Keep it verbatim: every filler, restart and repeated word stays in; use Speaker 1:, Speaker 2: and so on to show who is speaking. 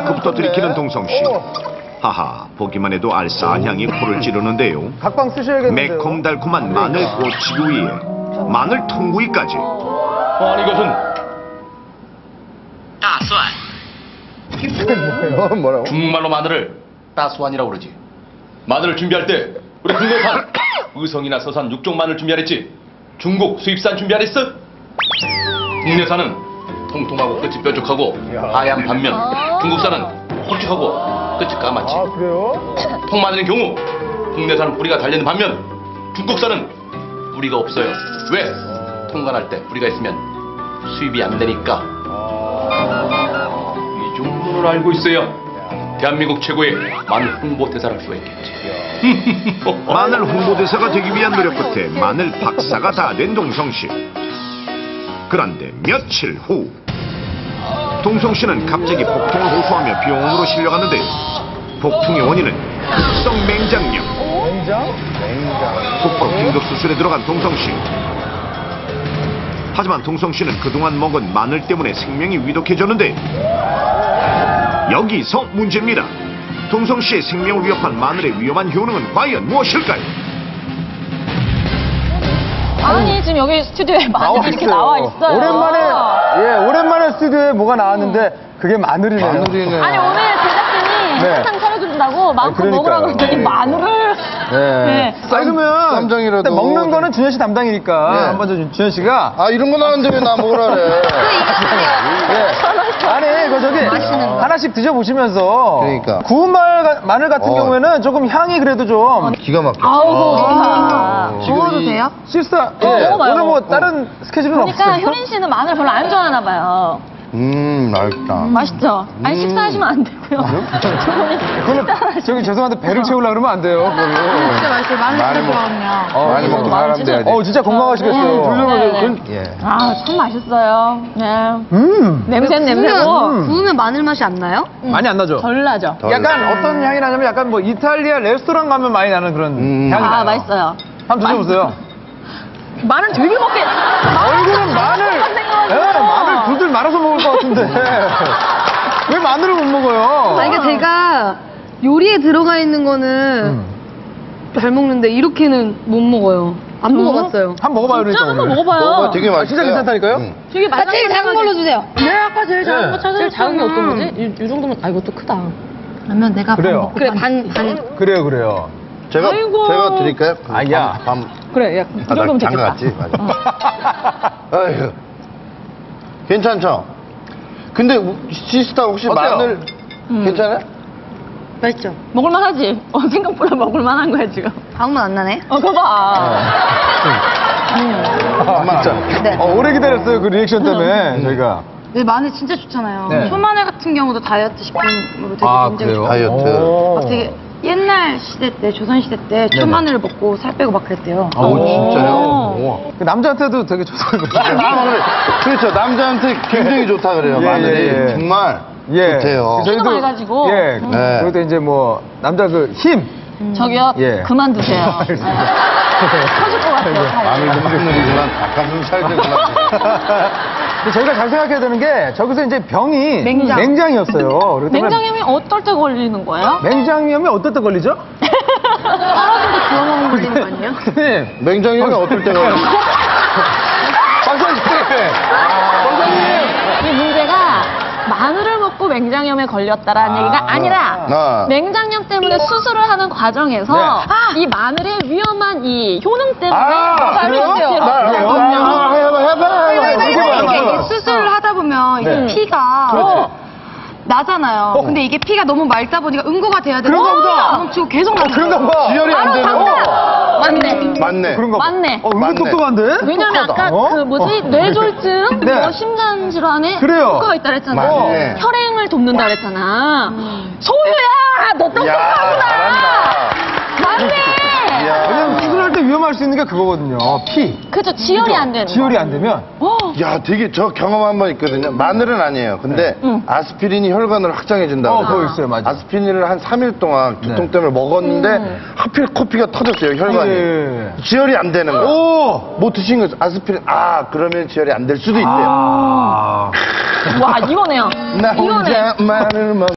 Speaker 1: 마이크부터 들이키는 동성씨. 하하, 보기만 해도 알싸한 향이 코를 찌르는데요.
Speaker 2: 각방 쓰셔야겠는데요.
Speaker 1: 매콤달콤한 마늘 꼬치기 위에 마늘 통구이까지.
Speaker 3: 아니 이것은 따수안.
Speaker 2: 뭐예요? 뭐라고?
Speaker 3: 중국말로 마늘을 따수안이라고 그러지. 마늘을 준비할 때 우리 국내산 의성이나 서산 육종 마늘 준비하랬지. 중국 수입산 준비하랬어? 국내산은 통통하고 끝이 뾰족하고 하얀 반면 중국산은 홀쭉하고 끝이 까맣지.
Speaker 2: 아, 그래요?
Speaker 3: 통마늘의 경우 국내산은 뿌리가 달려있는 반면 중국산은 뿌리가 없어요. 왜? 통관할 때 뿌리가 있으면 수입이 안 되니까. 이 정도를 알고 있어야 대한민국 최고의 마늘 홍보대사를 할 수가 있겠지.
Speaker 1: 마늘 홍보대사가 되기 위한 노력 끝에 마늘 박사가 다 된 동성씨. 그런데 며칠 후 동성씨는 갑자기 복통을 호소하며 병원으로 실려갔는데 복통의 원인은 급성 맹장염.
Speaker 2: 냉장? 냉장.
Speaker 1: 곧바로 긴급 수술에 들어간 동성씨. 하지만 동성씨는 그동안 먹은 마늘 때문에 생명이 위독해졌는데 여기서 문제입니다. 동성씨의 생명을 위협한 마늘의 위험한 효능은 과연 무엇일까요?
Speaker 4: 아니 지금 여기 스튜디오에 마늘이 이렇게 나와 있어요.
Speaker 2: 오랜만에, 예, 오랜만에 스튜디오에 뭐가 나왔는데 그게 마늘이네요.
Speaker 5: 마늘이네.
Speaker 4: 아니 오늘 제작진이
Speaker 2: 네.
Speaker 4: 한상 차려준다고 마음껏
Speaker 2: 그러니까요.
Speaker 4: 먹으라고 했더니 마늘을.
Speaker 2: 네.
Speaker 4: 네.
Speaker 2: 아, 그러면
Speaker 5: 쌈장이라도.
Speaker 2: 일단 먹는 거는 준현 씨 담당이니까
Speaker 5: 네.
Speaker 2: 한번 저 준현 씨가.
Speaker 5: 아, 이런 거 나왔는데 왜 나 먹으라 그래.
Speaker 2: 예. 아니, 그 저기 하나씩 드셔보시면서.
Speaker 5: 그러니까.
Speaker 2: 구운 말, 가- 마늘 같은
Speaker 5: 어.
Speaker 2: 경우에는 조금 향이 그래도 좀.
Speaker 5: 기가 막혀.
Speaker 4: 아우고 좋다.
Speaker 5: 먹어도 돼요?
Speaker 2: 실사. 예.
Speaker 4: 먹어봐요.
Speaker 2: 오늘 뭐 다른 스케줄은
Speaker 4: 그러니까
Speaker 2: 없어요?
Speaker 4: 효린 씨는 마늘 별로 안 좋아하나 봐요.
Speaker 5: 음, 맛있다.
Speaker 4: 맛있죠? 아니 식사하시면 안 되고요.
Speaker 2: 그거는 저기 죄송한데 배를 채우려고 그러면 안 돼요. 그거는.
Speaker 4: 진짜 맛있어요. 마늘
Speaker 5: 많이
Speaker 4: 진짜
Speaker 5: 먹-
Speaker 4: 좋아하거든요.
Speaker 5: 어, 많이 먹고
Speaker 4: 마늘
Speaker 5: 사람
Speaker 4: 진짜-
Speaker 5: 돼야지.
Speaker 2: 어, 진짜 건강하시겠어요.
Speaker 4: 음, 네, 네.
Speaker 5: 예.
Speaker 4: 아, 참 맛있어요. 네.
Speaker 2: 음.
Speaker 4: 냄새는 냄새고.
Speaker 2: 음.
Speaker 6: 구우면 마늘 맛이 안 나요?
Speaker 2: 많이 안 나죠?
Speaker 4: 덜 나죠?
Speaker 5: 덜
Speaker 2: 약간
Speaker 5: 나.
Speaker 2: 어떤 향이 나냐면 약간 뭐 이탈리아 레스토랑 가면 많이 나는 그런
Speaker 5: 음.
Speaker 2: 향이 나요.
Speaker 4: 아, 맛있어요.
Speaker 2: 한번 드셔보세요.
Speaker 4: 마늘 되게 먹게.
Speaker 2: 얼굴은 마늘, 예, 마늘 둘둘 말아서 먹을 것 같은데 왜 마늘을 못 먹어요?
Speaker 6: 아, 그러니까 제가 요리에 들어가 있는 거는
Speaker 2: 음.
Speaker 6: 잘 먹는데 이렇게는 못 먹어요. 안 먹어봤어요.
Speaker 2: 한번 먹어봐요,
Speaker 4: 진짜
Speaker 2: 그러니까
Speaker 4: 한번
Speaker 2: 오늘.
Speaker 4: 먹어봐요.
Speaker 5: 먹어봐, 되게 맛있어요.
Speaker 2: 진짜 괜찮다니까요?
Speaker 5: 응.
Speaker 4: 되게
Speaker 6: 아, 제일 작은 걸로 주세요.
Speaker 4: 네, 아까 제일 작은
Speaker 2: 네.
Speaker 4: 거 찾아줬잖아.
Speaker 6: 제일 작은 게 어떤 거지?
Speaker 4: 이, 이 정도면, 아, 이것도 크다. 그러면 내가
Speaker 2: 그래요.
Speaker 6: 그래, 반, 반.
Speaker 2: 그래요, 그래요.
Speaker 5: 제가,
Speaker 4: 아이고.
Speaker 5: 제가 드릴까요? 그
Speaker 2: 아야.
Speaker 5: 밤, 밤.
Speaker 4: 그래, 야, 이
Speaker 5: 아, 나
Speaker 4: 정도면
Speaker 5: 장가
Speaker 4: 되겠다.
Speaker 5: 갔지? 맞아. 아휴. 괜찮죠? 근데 우- 시스타 혹시
Speaker 2: 어때요?
Speaker 5: 마늘
Speaker 4: 음.
Speaker 5: 괜찮아요?
Speaker 6: 맛있죠?
Speaker 4: 먹을만하지? 어, 생각보다 먹을만한 거야, 지금.
Speaker 6: 아무 맛 안 나네.
Speaker 4: 어, 그거 봐.
Speaker 2: 아, 진짜.
Speaker 6: 네.
Speaker 2: 어, 오래 기다렸어요, 그 리액션 때문에 저희가.
Speaker 6: 근데 마늘 진짜 좋잖아요.
Speaker 2: 네.
Speaker 6: 초마늘 같은 경우도 다이어트 식품으로 되게
Speaker 2: 아,
Speaker 6: 굉장히
Speaker 2: 그래요?
Speaker 6: 좋아요.
Speaker 5: 다이어트.
Speaker 2: 오.
Speaker 6: 막 되게 옛날 시대 때, 조선 시대 때 초마늘을 먹고 살 빼고 막 그랬대요.
Speaker 5: 오, 진짜요?
Speaker 4: 오.
Speaker 2: 그 남자한테도 되게 좋다고 그러죠.
Speaker 5: 마늘. 그렇죠. 남자한테 굉장히 좋다 그래요.
Speaker 2: 예,
Speaker 5: 마늘이.
Speaker 2: 예, 예.
Speaker 5: 정말
Speaker 2: 예.
Speaker 5: 좋대요.
Speaker 4: 저희도 많이 가지고.
Speaker 2: 예.
Speaker 4: 음.
Speaker 5: 네.
Speaker 2: 그것도 이제 뭐, 남자 그 힘.
Speaker 4: 저기요,
Speaker 2: 예.
Speaker 4: 그만두세요.
Speaker 2: 알겠습니다.
Speaker 4: 터질 것 같아요. 살이.
Speaker 5: 마늘도 마늘이지만 닭가슴살이구나.
Speaker 2: 근데 저희가 잘 생각해야 되는 게 저기서 이제 병이
Speaker 4: 맹장.
Speaker 2: 맹장이었어요. 그렇기 때문에
Speaker 4: 냉장염이 어떨 때 걸리는 거예요?
Speaker 2: 맹장염이 어떨 때 걸리죠?
Speaker 6: 떨어진데 구워 먹으면 걸리는 거 아니에요?
Speaker 2: 네.
Speaker 5: 맹장염이 어떨 때가
Speaker 2: 박사님.
Speaker 4: 이 문제가 마늘을 먹고 맹장염에 걸렸다라는
Speaker 2: 아.
Speaker 4: 얘기가 아니라
Speaker 5: 아.
Speaker 4: 맹장염 때문에 수술을 하는 과정에서
Speaker 2: 네.
Speaker 4: 이 마늘의 위험한 이 효능 때문에
Speaker 2: 아, 그래요?
Speaker 4: 발효제로
Speaker 2: 아, 그래요? 아, 해봐, 해봐, 해봐.
Speaker 6: 이렇게
Speaker 2: 이렇게 봐요,
Speaker 6: 이렇게
Speaker 2: 봐요.
Speaker 6: 수술을 하다 보면 이게
Speaker 2: 네.
Speaker 6: 피가
Speaker 2: 그렇지.
Speaker 6: 나잖아요. 근데 이게 피가 너무 맑다 보니까 응고가 돼야 되는
Speaker 2: 그런가 보다.
Speaker 6: 멈추고 계속
Speaker 2: 어,
Speaker 6: 나는
Speaker 2: 그런가 봐.
Speaker 5: 지혈이 안 되는 거.
Speaker 4: 맞네.
Speaker 5: 맞네.
Speaker 2: 그런가 봐.
Speaker 4: 맞네.
Speaker 2: 어,
Speaker 5: 맞네.
Speaker 2: 은근 똑똑한데?
Speaker 4: 왜냐면 아까
Speaker 2: 어?
Speaker 4: 그 뭐지
Speaker 2: 어.
Speaker 4: 뇌졸중,
Speaker 2: 네.
Speaker 4: 뭐 심장 질환에
Speaker 2: 그래요.
Speaker 4: 효과가 있다 그랬잖아.
Speaker 5: 맞네.
Speaker 4: 혈행을 돕는다 그랬잖아. 소유야, 너
Speaker 5: 야,
Speaker 4: 똑똑하구나.
Speaker 5: 잘한다.
Speaker 4: 맞네.
Speaker 5: 야.
Speaker 2: 왜냐면 수술할 때 위험할 수 있는 게 그거거든요. 피.
Speaker 4: 그죠, 지혈이 안 되는.
Speaker 2: 지혈이 안 되면.
Speaker 4: 어.
Speaker 5: 야, 되게 저 경험 한 번 있거든요. 마늘은 아니에요. 근데
Speaker 4: 응.
Speaker 5: 아스피린이 혈관을 확장해준다고.
Speaker 2: 어,
Speaker 5: 그래요.
Speaker 2: 그거 있어요, 맞아.
Speaker 5: 아스피린을 한 삼 일 동안 두통
Speaker 2: 네.
Speaker 5: 때문에 먹었는데
Speaker 4: 음.
Speaker 5: 하필 코피가 터졌어요, 혈관이.
Speaker 2: 예.
Speaker 5: 지혈이 안 되는 거예요.
Speaker 2: 오!
Speaker 5: 뭐 드신 거죠? 아스피린. 아, 그러면 지혈이 안 될 수도 있대요.
Speaker 2: 아.
Speaker 4: 와, 이거네요.
Speaker 5: 나
Speaker 4: 이거네.
Speaker 5: 혼자 마늘 먹